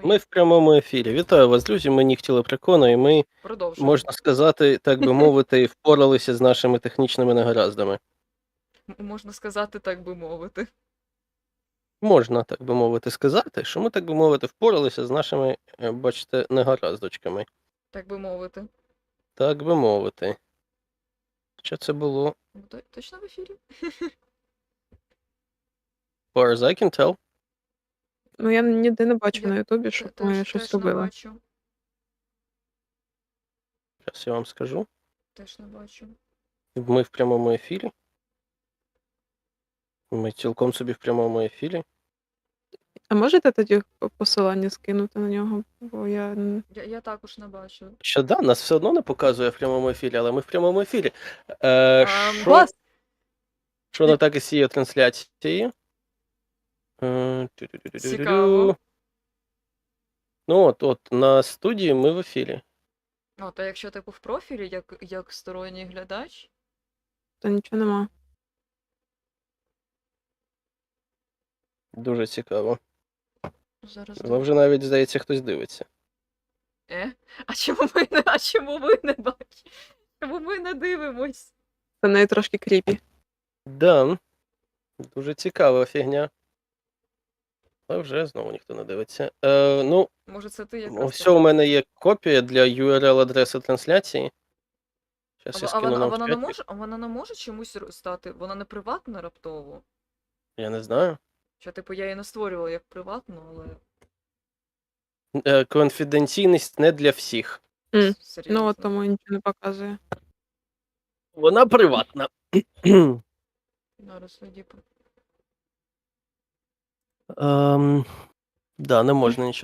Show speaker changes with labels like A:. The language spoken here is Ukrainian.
A: Ми в прямому ефірі. Вітаю вас, друзі. Ми Нігті Лепрекона, і ми,
B: Продовжуємо.
A: можна сказати, так би мовити, впоралися з нашими технічними негараздами.
B: Можна сказати, так би мовити.
A: Можна, так би мовити, сказати, що ми, так би мовити, впоралися з нашими, бачите, негараздочками.
B: Так би мовити.
A: Так би мовити. Що це було?
B: Точно в ефірі?
A: Far as I can tell.
C: Ну, я ніде не бачу
B: Я
C: на Ютубі, щоб ми
B: Теж
C: щось
B: не
C: робили.
B: бачу.
A: Зараз я вам скажу.
B: Теж не бачу.
A: Ми в прямому ефірі. Ми цілком собі в прямому ефірі.
C: А можете тоді посилання скинути на нього? Бо я
B: Я також не бачу.
A: Що да, нас все одно не показує в прямому ефірі, але ми в прямому ефірі.
C: Клас!
A: Що не так із цією трансляцією?
B: Цікаво.
A: Ну от на студії ми в ефірі.
B: Та якщо типу в профілі, як сторонній глядач,
C: То нічого нема.
A: Дуже цікаво.
B: зараз
A: Але вже навіть, здається, хтось дивиться.
B: А чому ви не бачите? Чому ми не дивимось?
C: Це навіть трошки кріпі.
A: Да. Дуже цікава фігня. Але вже знову ніхто не дивиться.
B: Може це ти якраз?
A: Ось у мене є копія для URL-адреси трансляції. Зараз я скину нам в чаті.
B: Вона не може чомусь стати? Вона не приватна раптово?
A: Я не знаю.
B: Що, типу, я її не створювала як приватну, але...
A: Конфіденційність не для всіх.
B: Серйозно.
C: Ну, от тому нічого не показує.
A: Вона приватна.
B: Зараз тоді.
A: Да, не можна нічого